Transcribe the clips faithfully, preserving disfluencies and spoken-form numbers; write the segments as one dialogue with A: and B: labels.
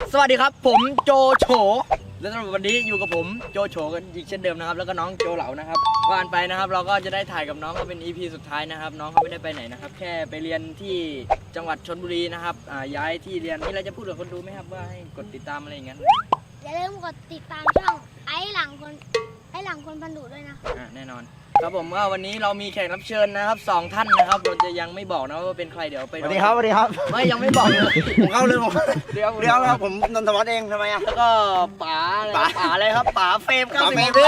A: สวัสดีครับผมโจโฉและสำหรับวันนี้อยู่กับผมโจโฉกันอีกเช่นเดิมนะครับแล้วก็น้องโจเหลานะครับก่อนไปนะครับเราก็จะได้ถ่ายกับน้องเขาเป็น อี พี สุดท้ายนะครับน้องเขาไม่ได้ไปไหนนะครับแค่ไปเรียนที่จังหวัดชลบุรีนะครับย้ายที่เรียนนี่เราจะพูดกับคนดูไหมครับว่าให้กดติดตามอะไรอย่างเงี้ย
B: อย่าลืมกดติดตามช่องไอ้หลังคนไอ้หลังคนพันดุด้วยนะ
A: อ่าแน่นอนครับผมว่าวันนี้เรามีแขกรับเชิญนะครับสองท่านนะครับเราจะยังไม่บอกนะว่าเป็นใครเดี๋ยวไป
C: สวัสดีครับสวัสดีครับ
A: ไม่ยังไม่บอกเลย
C: ผมเข้าเลยผม
A: เดี๋ยว
C: เดี๋ยวครับผมนนทวัฒน์เองทำไมอ่ะ
A: แล้วก็ป๋าป๋าป๋าอะไรครับป๋าเฟรมครับ
C: เฟรม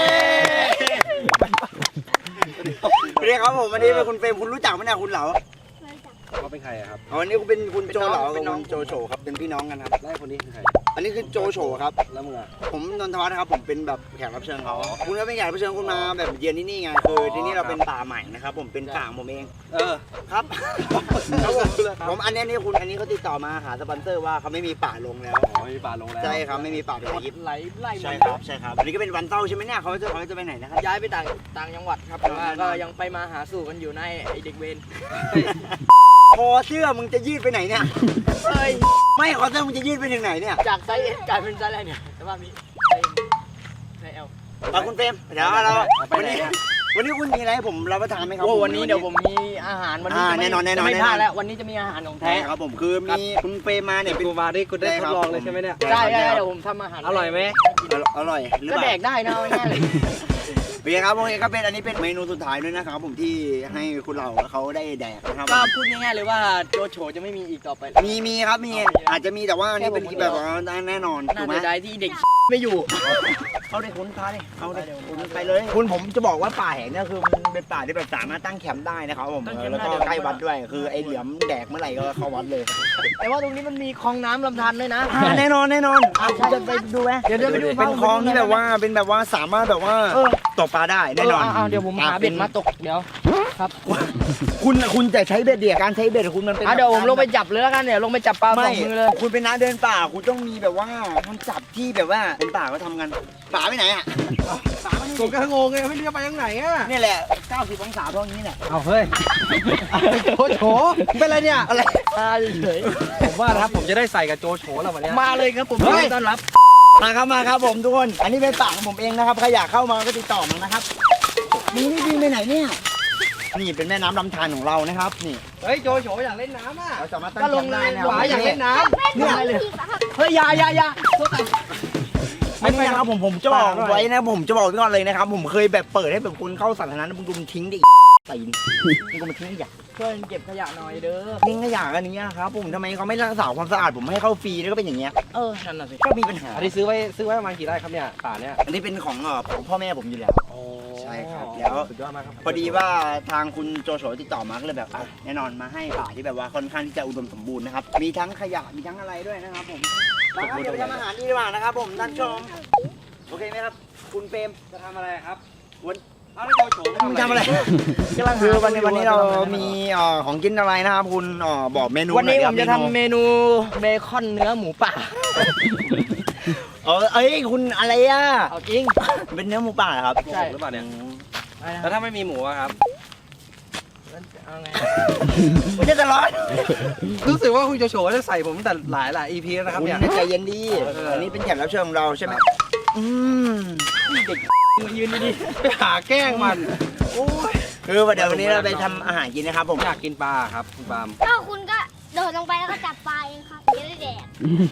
C: เรียกครับผมวันนี้เป็นคุณเฟรมคุณรู้จักไหมเนี่ยคุณเหลา
D: เขาเป็นใครครับ
C: วันนี้คุณเป็นคุณโจเหลากับคุณโจโฉครับเป็นพี่น้องกันครับ
D: แล้วคนนี้คือใคร
C: อันนี้คือโจโฉครับ
D: แล้วมึงอ่ะ
C: ผมนนทวัฒน์ครับผมเป็นแบบแขกรับเชิญเขาคุณก็เป็นแขกรับเชิญคุณมาแบบเยือนที่นี่ไงคือที่นี่เราเป็นป่าใหม่นะครับผมเป็นป่าผมเอง
D: เออ
C: ครับผมอันนี้นี่คุณอันนี้เขาติดต่อมาหาสปอนเซอร์ว่าเขาไม่มีป่าลงแล้ว
D: ไม่มีป่าลงแล้ว
C: ใช่ครับไม่มีป่าเป็นยิป
A: ไหลไล่
C: ใช่ครับใช่ครับอันนี้ก็เป็นวันเต้าใช่ไหมเนี่ยเขาจะเขาจะไปไหนนะครับ
A: ย้ายไปต่างต่างจังหวัดครับแต่ว่าก็ยังไปมาหาสู่กันอยู่ในไอเด็กเวร
C: คอเสื้อมึงจะยืดไปไหนเนี่ย
A: เฮ้ย
C: ไม่คอเสื้อมึงจะยืดไปถึงไหนเนี่ย
A: จากไซส์เอสกลายเป็นไซส์อะไรเนี่ยแต่ว่ามีไซส์เอล
C: เอาคุณเฟรมเดี๋ยวเราวันนี้วันนี้คุณมีอะไรให้ผมรับประทานไหมครับ
A: วันนี้เดี๋ยวผมมีอาหารวันนี้
C: แน่นอนแน่นอน
A: ไม่พลาดแล้ววันนี้จะมีอาหารของแท้
C: ครับผมคือมีคุณเฟรมมาเนี่ย
D: เป็นกูมาได้คุณได้ทดลองเลยใช่ไหมเนี่ย
A: ใช่ใช่เดี๋ยวผมทำอาหาร
D: อร่อยไหม
C: อร่อย
A: ก็แดกได้นะง่ายเลย
C: เบียร์ครับโอเคก็เป็นอันนี้เป็นเมนูสุดท้ายด้วยนะครับผมที่ให้คุณเราเขาได้แดกนะครับ
A: ก็พูดง่ายๆเลยว่าโจโฉจะไม่มีอีกต่อไป
C: มีมีครับมีอาจจะมีแต่ว่าอันนี้เป็นแบบว่าแน่นอนถูกไหม
A: ได้ที่เด็กไม่อยู่
C: เขาได้คุ้นค้าเลยเขาได้คุ้นไปเลยคุณผมจะบอกว่าป่าแห่งนี้คือมันเป็นป่าที่แบบสามารถตั้งแคมป์ได้นะครับผมแล้วก็ใกล้วัดด้วยคือไอเหลี่ยมแดกเมื่อไหร่ก็เข้าวัดเลย
A: แต่ว่าตรงนี้มันมีคลองน้ำลำธารด้วยนะ
C: แน่นอนแน่นอนคุณจะไปดูไหม
A: เดี๋ยวจะไปดู
C: เป็นคลองที่แบบว่าเป็นแบบว่าสามารถแบบว่าตกปลาได้แน่นอน
A: เดี๋ยวผมหาเบ็ดมาตกเดี๋ยวครับ
C: คุณคุณจะใช้เบ็ดเดียการใช้เบ็ดคุณมันเป็น
A: เดี๋ยวผมลงไปจับเลยแล้วกันเนี่ยลงไปจับปลาสองมือเลย
C: คุณเป็นนักเดินป่าคุณต้องมีแบบว่ามันจับที่แบบว่าเป็นป่าก็ทำกันป่าไปไหนอ่ะ
D: ป่าผมก็งงไงไม่รู้จะไปยังไหนอ่ะ
C: นี่แหละเก้าสิบองศาพวกนี้เนี่ย
D: เอาเฮ้ยโจโฉเป็นอะไรเนี่ย
C: อะไร
A: เฉย
D: ผมว่านะครับผมจะได้ใส่กับโจโฉแล้ววันนี้
A: มาเลยครับผมต้อนรับ
C: มาครับมาครับผมทุกคนอันนี้เป็นป่าของผมเองนะครับใครอยากเข้ามาก็ติดต่อมานะครับนี่นี่วิ่งไปไหนเนี่ยนี่เป็นแม่น้ำลำธารของเรานะครับนี่
D: เฮ้ยโจโฉอยากเล่นน้ำอ่ะ
C: เราจะมาตั้งลงได้นะ
D: อยากเล่นน้ำ
C: เนี่ย
A: เฮ้ยยายายา
C: ไม่ไม่ครับผมผมจะบอกไว้นะผมจะบอกไว้ก่อนเลยนะครับผมเคยแบบเปิดให้แบบคนเข้าสาธารณะมึงดูมันทิ้งดิตีนมึงก็มาทิ้งขยะ
A: ช่วยเก็บขยะหน่อยเด้อ
C: ทิ้งขยะกันนี้ครับผมทำไมเขาไม่รักษาความสะอาดผมให้เข้าฟรีแล้วก็เป็นอย่างเงี้ย
A: เออนั่นน่ะสิ
C: ก็มีปัญหา
D: อันนี้ซื้อไว้ซื้อไว้ประมาณกี่ไร่ครับเนี่ยป่าเนี่ย
C: อันนี้เป็นของของพ่อแม่ผมอยู่แล้วใช่ครับแล้วพอดีว่าทางคุณโจโฉติดต่อมาก็เลยแบบแน่นอนมาให้ป่าที่แบบว่าค่อนข้างที่จะอุดมสมบูรณ์นะครับมีทั้งขยะมีทั้งอะไรด้วยนะครับผมเดี๋ยวทำอาหารดีกว่านะครับผมท่านชมโอเคไหมครับคุณเปรม
D: จะทำอะไรครับ
C: วัน
D: เอาไม่โจโฉ
C: ทำอะไรกำลังคือวันนี้วันนี้เรามีของกินอะไรนะครับคุณบอกเมนู
A: วันนี้ผมจะทำเมนูเบคอนเนื้อหมูป่า
C: เออเอ้ยคุณอะไรอ่ะ
A: เอาจริง
C: เป็นเนื้อหมูป่าครับ
D: ใช่หรือเปล่าเนี่ยแล้วถ้าไม่มีหมูครับ
A: เอาไง
C: ไม่จะตลอด
D: รู้สึกว่าคุณโจโฉจะใส่ผมแต่หลายหลาย อี พี แล้วนะครับเนี่ย
C: ใจเย็นดีอันนี้เป็นแขกรับเชิญของเราใช่ไหมอืม
A: เด็กมายืนดี
D: ๆไปหาแกล้งมันโอ้ย
C: คือเดี๋ยววันนี้เราไปทำอาหารกินนะครับผม
D: อยากกินปลาครับคุณปาม
B: ก็คุณก็โดดลงไปแล้วก็จับปลาเองครับจะได้แดก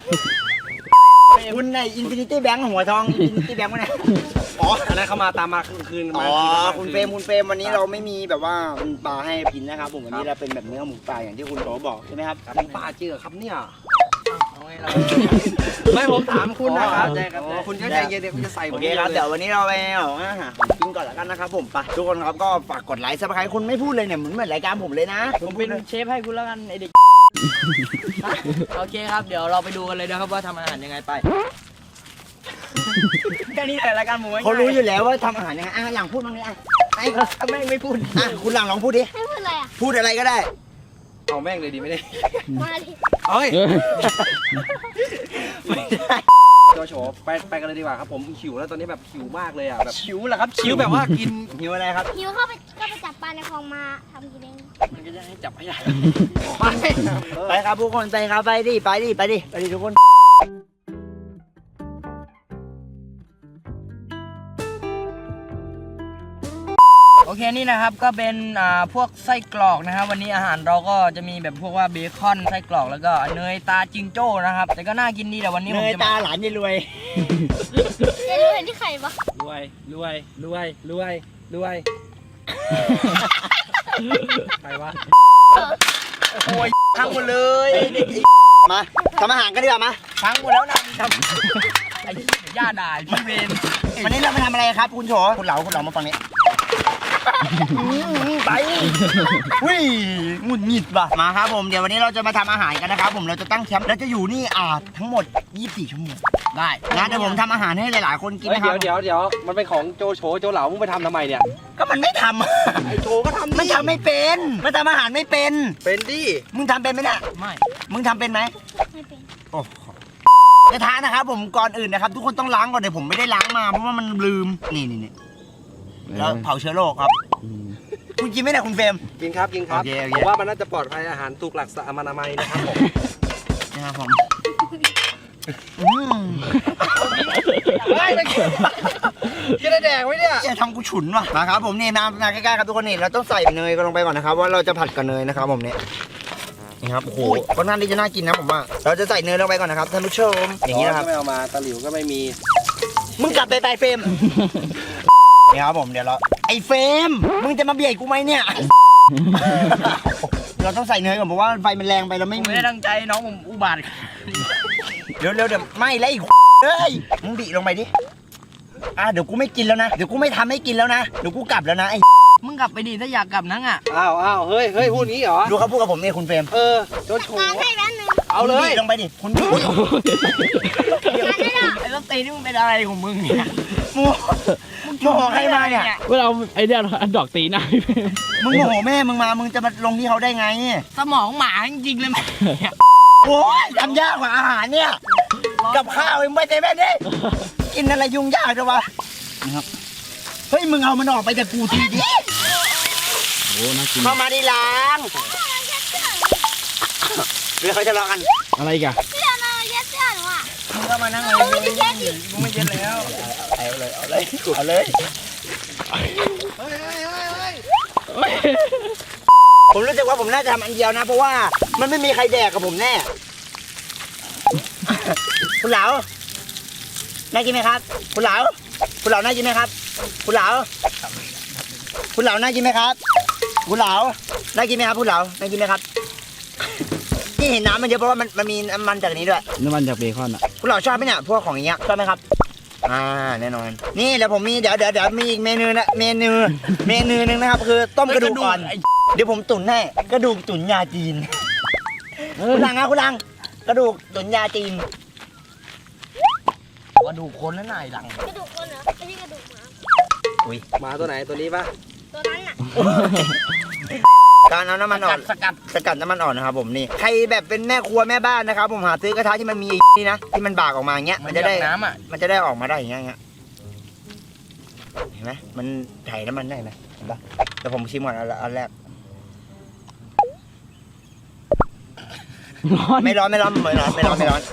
C: คุณในอินฟินิตี้แบงค์หัวทองอินฟินิตี้แบงค์วะเนี่ย
D: อ๋ออันนั้นเขามาตามมาคืน
C: อ๋อคุณเฟรมคุณเฟรมวันนี้เราไม่มีแบบว่าเป็นปลาให้กินนะครับผมวันนี้เราเป็นแบบเนื้อหมูป่าอย่างที่คุณโตบอกใช่ไหมครับ
D: หมูป่าจริงเหรอครับเนี่ยไม่ผมถามคุณนะครับคุณก็ใจเย็นเดี๋ยวคุณจะใส่ผม
C: โอเคครับเดี๋ยววันนี้เราไปเอาอาหารกินก่อนแล้วกันนะครับผมไปทุกคนครับก็ฝากกดไลค์ซับสไครต์คุณไม่พูดเลยเนี่ยเหมือนเหมือนรายการผมเลยนะ
A: ผมเป็นเชฟให้คุณแล้วกันไอเด็กโอเคครับเดี๋ยวเราไปดูกันเลยนะครับว่าทำอาหารยังไงไปแค่นี้แต่รายการหมู
C: เขารู้อยู่แล้วว่าทำอาหารยังไงอ่ะหลังพูดบ้างเลยอ่ะ
A: ไอ้แม่งไม่พูด
C: อ่ะคุณหลังลองพูดดิ
B: ให้พูดอะไรอ่ะ
C: พูดอะไรก็ได้
D: เอาแม่งเลยดีไม่ได้
B: มาดิ
D: เอ้ยไม่ได้โจโฉไปไปกันเลยดีกว่าครับผมหิวแล้วตอนนี้แบบหิวมากเลยอ่ะแบบ
A: หิวเหรอครับ
D: หิวแบบว่ากิน
C: หิวอะไรครับ
B: หิวเข้าไปก็ไปจับปลาในคลองมาทำกินเอง
A: มันก็จะให้จับให้ได้
C: ไปไปครับทุกคนไปครับไปดิไปดิไปดิไปดิทุกคน
A: เคนี่นะครับก็เป็นอ่าพวกไส้กรอกนะครับวันนี้อาหารเราก็จะมีแบบพวกว่าเบคอนไส้กรอกแล้วก็เนยตาจิงโจ้นะครับแต่ก็น่ากินดีแต่วันนี้
C: เน
A: ผม
C: ย
A: จะ
C: ตา
A: มา
C: หลานยายรวย
B: จะรู้เห็นที่ไข่ปะ
D: รวยรวยรวยรวยรวยใครวะ
A: โอ้ยพังหมดเลย
C: มาทำอาหารกันดีกว่ามา
A: พังหมดแล้วนะทำไอ้เหี้ยย่าด่าพี่เวน
C: วันนี้เรามาทำอะไรครับคุณโฉคุณเหลาคุณเหลามาฟังนี้ไปวิ่งหงุดหงิดว่ะมาครับผมเดี๋ยววันนี้เราจะมาทำอาหารกันนะครับผมเราจะตั้งแคมป์เราจะอยู่นี่อ่าทั้งหมดยี่สิบสี่ชั่วโมง
A: ได้
C: นะเดี๋ยวผมทำอาหารให้หลายๆคนกิน
D: เฮ้ย
C: นะค
D: เดี๋
C: รั
D: ยว
C: บ
D: เดี๋ยวเดี๋ยวมันเป็นของโจโฉโจเหลามึงไปทำทำไมเนี่ย
C: ก็มันไม่ทำ
D: ไอโจก็ทำ
C: มันทำไม่เป็นมันทำอาหารไม่เป็น
D: เป็นดิ
C: มึงทำเป็นไหมเนี่ย
A: ไม่
C: มึงทำเป็นไหม
B: ไม่เป็น
C: โอ้โหกระทะนะครับผมก่อนอื่นนะครับ ทุกคนต้องล้างก่อนเดี๋ยวผมไม่ได้ล้างมาเพราะว่ามันลืมนี่นี่นี่แล้วเผาเชื้อโรคครับคุณกินไหมเนี่ยคุณเฟรม
D: กินครับกินครับ
C: โอเคโอเค
D: ผมว่ามันน่าจะปลอดภัยอาหารถูกหลักอนามัยนะครับผม
C: นะครับผมอืม
D: ไม่ไม่กินกินได้แดงไว้เนี่ย
C: จะทำกูฉุนว่ะมาครับผมนี่มามาใกล้ๆครับทุกคนนี่เราต้องใส่เนยกันลงไปก่อนนะครับว่าเราจะผัดกับเนยนะครับผมเนี่ยนี่ครับโอ้โหค่อนข้างที่จะน่ากินนะผมว่าเราจะใส่เนยลงไปก่อนนะครับท่านผู้ชมอย่างนี้นะครับ
D: ก็ไม่เอามาตะหลิวก็ไม่มี
C: มึงกลับไปไปเฟรมนี่ครับผมเดี๋ยวเราไอ้เฟรมมึงจะมาเบียดกูไหมเนี่ย เราต้องใส่เนยก่อนเพราะว่าไฟมันแรงไปเรา
A: ผ
C: ไม่
A: ม
C: มี
A: ไม่ได้ตั้งใจน้องผมอุบาท
C: เร็วเร็วเดี๋ยวไม่แล้วอีกเฮ้ยมึงบีลงไปดิอ่ะเดี๋ยวกูไม่กินแล้วนะเดี๋ยวกูไม่ทำให้กินแล้วนะเดี๋ยวกูกลับแล้วนะไอ้
A: มึงกลับไปดิถ้าอยากกลับนั่งอ่ะ
D: อ้าวอ้าวเฮ้ยเฮ้ยพูดงี้เหรอ
C: ดูเขาพูดกับผมเนี่ยคุณเฟรม
D: เออโจโฉ
B: ล้างให้แป๊บนึง
D: เอาเลย
C: คุณบีลงไปดิคุณบี
A: ไอ้ต้นตีนี่มึงเป็นอะไรของมึงเนี่ย
C: มูโมโหใครมาเนี่ย
E: เวลาเอาไอ้เนี่ยอันดอกตีหน้าพี่เฟรม
C: มึงโมโหแม่มึงมามึงจะมาลงที่เขาได้ไง
A: สมองหมาจริงๆเลยแม่
C: โอ้ยทำยากกว่าอาหารเนี่ยกับข้าวเองไม่ใจแม่ดิกินอะไรยุ่งยากจังวะนะครับเฮ้ยมึงเอามันออกไปจากกูทีดิ
E: โอ้น่ากิน
C: เข้ามาดีล้างเรือเขาจะรอกัน
E: อะไรอีกัน
B: เสื้อมาเย็ดเสื้อหนูอ่ะ
A: มึงก็มานั่งเลยมึงไม่เย็นมึงไม่เย็นแล้ว
C: เอาเลยเอาเลยเอาเลยผมรู้สึกว่าผมน่าจะทำอันเดียวนะ เพราะว่ามันไม่มีใครแดกกับผมแน่ คุณเหลาน่ากินไหมครับ คุณเหลาคุณเหลาน่ากินไหมครับ คุณเหลาคุณเหลาน่ากินไหมครับ คุณเหลาน่ากินไหมครับคุณเหลาน่ากินไหมครับที่เห็นน้ำมันเยอะเพราะว่ามันมันมีน้ำมันจากอันนี้ด้วย
E: น้ำมันจากเบคอนอ่ะ
C: คุณเหล่าชอบไหมเนี่ยพวกของอย่างเงี้ยชอบไหมครับอ่าแน่นอนนี่เดี๋ยวผมมีเดี๋ยวเดี๋ยวเดี๋ยวมีอีกเมนูนะเมนูเมนูหนึงนะครับคือต้มกระดูกอ่อนเดี๋ยวผมตุ๋นให้กระดูกตุ๋นยาจีนคุณลังนะคุณลังกระดูกตุ๋นยาจีน
A: กระดูกคนแล้วนายหลัง
B: กระดูกคนเหรอไม่ใช่กระดูกหมา
D: หมาตัวไหนตัวนี้ปะ
B: ตัวนั้นน่ะ
C: การเอาน้ำมันอ่อน
A: สกัด
C: สกัดน้ำมันอ่อนนะครับผมนี่ใครแบบเป็นแม่ครัวแม่บ้านนะครับผมหาซื้อกระทะที่มันมีนี่นะที่มันบากออกมาอย่างเงี้ย
A: มั
C: มัน น
A: จะ
C: จะ
A: ได้
C: ได้
A: น้ำอ่ะ
C: มันจะได้ออกมาได้อย่างเงี้ยเห็นไหมมันถ่ายน้ำมันได้ไหมเห็นปะแต่ผมชิมก่อนอันอันแรก
E: ร้อน
C: ไม่ร้อนไม่ร้อนไม่ร้อนไม่ร้อนไม่ร้อน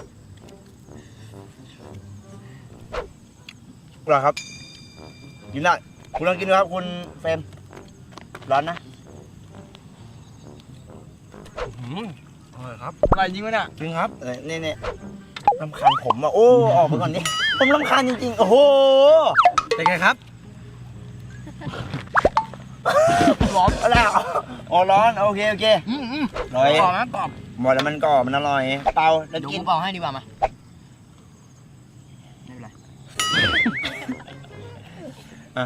C: อร่อยครับกินได้คุณลองกินดูครับคุณเฟรมร้อนนะ
A: อร่อยครับอร่อยจริงไหมเนี่ย
C: จริงครับเออนี่นี่รำคาญผมอ่ะโอ้ออกไปก่อนนี่ผมรำคาญจริงๆโอ้โห
D: เป็นไงครับ
C: ร้อนอะไรอ่ะอ๋อร้อนโอเคโอเค
A: อืมอืม
C: อร่อย
A: กรอบนะกรอบ
C: หมดแล้วมันกรอบมันอร่อยเปล่าแล้ว
A: เดี๋ยว
C: กิน
A: กูเป่าให้ดีกว่ามาไม่เป็นไร
C: อ่ะ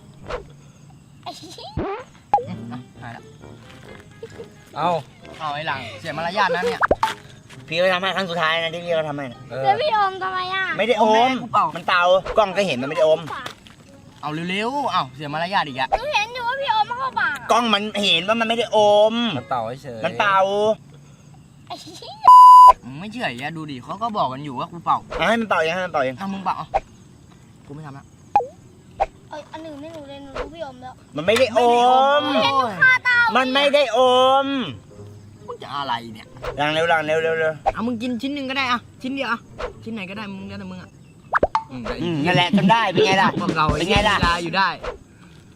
A: หายละ
D: เอา
A: เอาไอ้หลังเสียมารยาทนะเนี่ย
C: พี่ก็ทำให้ครั้งสุดท้ายนะที่พี่ก็ทำให้นะ
D: เออ
B: แล้วพี่อมทำไมอ่ะ
C: ไม่ได้อ
A: แม่
C: ม
A: กูเป่า
C: มันเตากล้องก็เห็นมันไม่ได้อม
A: เอาเร็วๆเอาเสียมารยาทอีกอะ
B: หนูเห็นอยู่ว่าพี่อมมาเข้าปาก
C: กล้องมันเห็นว่ามันไม่ได้อม
D: มันเต่าเฉย
C: มันเป่า
A: มึงไม่เชื่ออย่าดูดิเขาก็บอกกันอยู่ว่ากูเป่า
C: เอาให้มันเป่าเองให้มันเป่าเอง
A: เอามึงเป่าเอากูไม่ทำละ
B: เอ้ยอันหนึ่งไม่หนูเลยหนูรู้พี่อมแล้ว
C: มันไม่ได้อม
A: ไม่ได้อม
B: คาตา
C: มันไม่ได้อม
A: มึงจะอะไรเนี่ย
C: ลังเร็วลังเร็วเร็วเร็ว
A: เอามึงกินชิ้นหนึ่งก็ได้อะชิ้นเดียวอะชิ้นไหนก็ได้มึงแล้วแต่มึงอะอืม
C: อืมนั่นแหละจนได้เป็นไงล่ะ
A: พวกเรา
C: เป็นไงล่ะ
A: เวลาอยู่ได้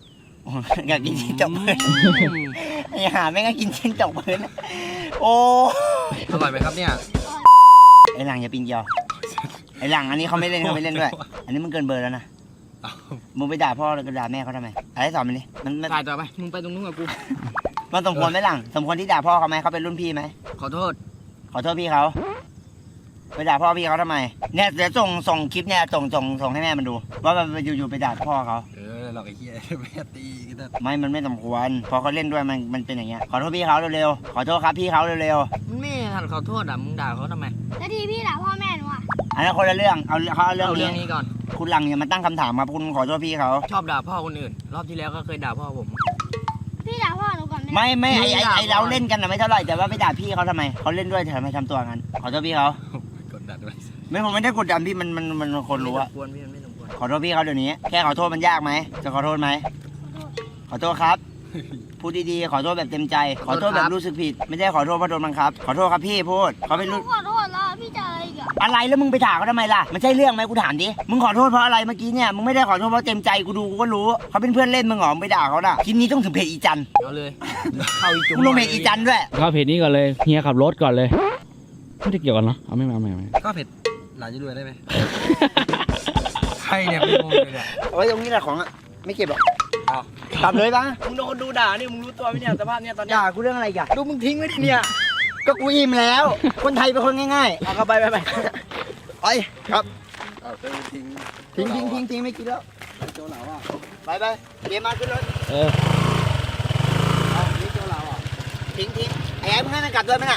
C: โอ้ยอยากกินชิ้นจกพื้นไอ้ห่าแม่งก็กินชิ้นจกพื้นโอ้
D: อร่อยไหมครับเนี่ย
C: ไอ้หลังอย่าปีนเกียวไอ้หลังอันนี้เขาไม่เล่นเขาไม่เล่นด้วย อันนี้มันเกินเบอร์แล้วนะมึงไปด่าพ่อแล้วก็ด่าแม่เขาทำไมอะไรสอนมันดิมันมัน
A: ถ่ายต่อไป มึงไปตรงนู้นกับกู
C: มันสมควรไหมหลังสมควรที่ด่าพ่อเขาไหมเขาเป็นรุ่นพี่ไหม
A: ขอโทษ
C: ขอโทษพี่เขาไปด่าพ่อพี่เขาทำไมเนี่ยเดี๋ยวส่งส่งคลิปเนี่ยส่งส่งส่งให้แม่มันดู ว่ามันอยู่ๆไปด่าพ่อเขา
D: เออเราไอ้เหี้ยแม่ตีกันนะ
C: ไม่มันไม่สมควรพอเขาเล่นด้วยมันมันเป็นอย่างเงี้ยขอโทษพี่เขาเร็วๆขอโทษครับพี่เขาเร็ว
A: มึงไม่ทันขอโทษอ่ะ มึงด่าเขาทำไม
B: แล้วทีพี่ด่าพ่อแม่หนูอ่ะ
C: ๆอันนั้นคนละเรื่องเอาเขาเอาเรื่อง
A: เอาเรื่อง
C: นี้
A: นี้ก่อน
C: คุณหลังอย่ามาตั้งคำถามครับคุณขอโทษพี่เขา
A: ชอบด่าพ่อคนอื่น รอบที่แล้วก็เคยด่าพ่อผม
B: พี่ด่าพ่อหนูก่อนไหม
C: ไม่ไม่ไอไอ
A: ด่า
C: ไอ
A: ก่อน
C: เราเล่นกันนะไม่เท่าไหร่แต่ว่าไปด่าพี่เขาทำไมเขาเล่นด้วยทำไมทำตัวงั้นขอโทษพี่เขา
D: กดดันด้วย
C: ไม่ผมไม่ได้กดดันพี่มันมันมันคนรู้อะ
A: ไม่สมควรพี่มันไม่สมควร
C: ขอโทษพี่เขาเดี๋ยวนี้แค่ขอโทษมันยากไหมจะขอโทษไหมขอโทษครับ พูดดีๆขอโทษแบบเต็มใจ ขอโทษแบบรู้สึกผิด ไม่ใช่ขอโทษเพราะโดนบังคับ ขอโทษครับพี่พูดเขาเป็น
B: หนู
C: รุ่น
B: ขอโทษแล้วพี่จะอะไรอีกอ่ะ
C: อะไรแล้วมึงไปถามเขาทำไมล่ะมันใช่เรื่องไหมกูถามดิมึงขอโทษเพราะอะไรเมื่อกี้เนี่ยมึงไม่ได้ขอโทษเพราะเต็มใจกูดูกูก็รู้เขาเป็นเพื่อนเล่นมึงหรอมึงไปด่าเขาน่ะคลิปนี้ต้องถึงเพจอีจัน
A: เอาเลย เข้าอีจุ่ม
C: มึงลงเพจอีจันด้วย
E: เข้าเพจนี้ก่อนเลยเฮียขับรถก่อนเลย ไม่ได้เกี่ยวกันเนาะเอาไม่มาไม่มาไม่มา
D: ก็เผ็ดหลานจะรวยได้ไหมใช่เนี่ยไม่งงเลยเนี่ย
C: เอาไว้ตรงนี้แหละของอะไม่เก็บหรอก
D: เอา
C: กลับเลยปะ
A: มึงโดนคนดูด่านี่มึงรู้ตัวไหมเนี่ยสภาพเนี่ยตอนเนี้ย
C: ด่ากูเรื่องอะไรอีกัน
A: ดูมึงทิ้งไว้ดิเนี่ย
C: ก็กูอิ่มแล้ว คนไทยเป็นคนง่าย
A: เอาเข้าไปไปไป
C: ๆไปครับ
D: เอาเติมทิ้ง
C: ทิ้งทิ้งทิ้งทิ้งไม่กินแล้ว
D: โจเหลาอ่ะ
C: ไปไปเดี๋ยวมาขึ้นรถ
E: เออ
C: เอานี่โจเหลาอ่ะทิ้งทิ้งไอ้ไอ้มึงให้มันกลับด้วยไหมน่ะ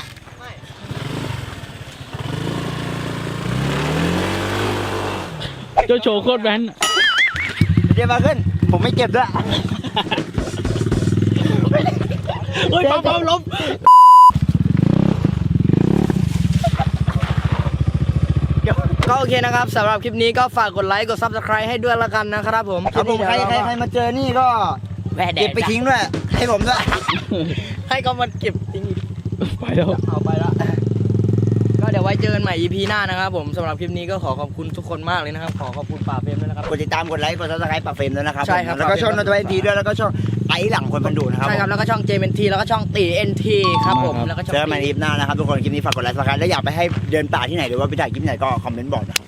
E: เจ้าโชว์โคตรแว้น
C: เดี๋ยวมาขึ้น ผมไม่เก็บด้วย
A: เฮ้ยปั๊มปั๊มล้มก็โอเคนะครับสำหรับคลิปนี้ก็ฝากกดไลค์กด ซับสไครบ์ ให้ด้วยละกันนะครับผม
C: ครับผมใครใครใครมาเจอนี่ก็
A: แหวะแด
C: เก็บ
A: ก
C: ไปทิ้งด้วย ให้ผมด้วย
A: ให้เขามาเก็บทิ้งอีก
E: ไปแล้ว
A: เอาไปละก็เดี๋ยวไว้เจอกันใหม่ อี พี หน้านะครับผมสำหรับคลิปนี้ก็ขอขอบคุณทุกคนมากเลยนะครับ ขอขอบคุณป่าเฟรมด้วยนะครับ
C: กดติดตามกดไลค์กดซับสไครป์ปรับเฟรมด้วยนะครับ
A: ใช่ครับ
C: ผมแล้วก็ช่องนอตไวทีด้วยแล้วก็ช่องไอ้หลังคนบันดูนะครับ
A: ใช่ครับ แล้วก็ช่อง เจ เอ็น ที แล้วก็ช่องตี เอ็น ที ครับผมแล้วก็ช่อง
C: เจอกันใหม่ในคลิปหน้านะครับทุกคนคลิปนี้ฝากกดไลค์ฝากกันแล้วอยากไปให้เดินป่าที่ไหนหรือว่าไปถ่ายคลิปไหนก็คอมเมนต์บอกนะครับ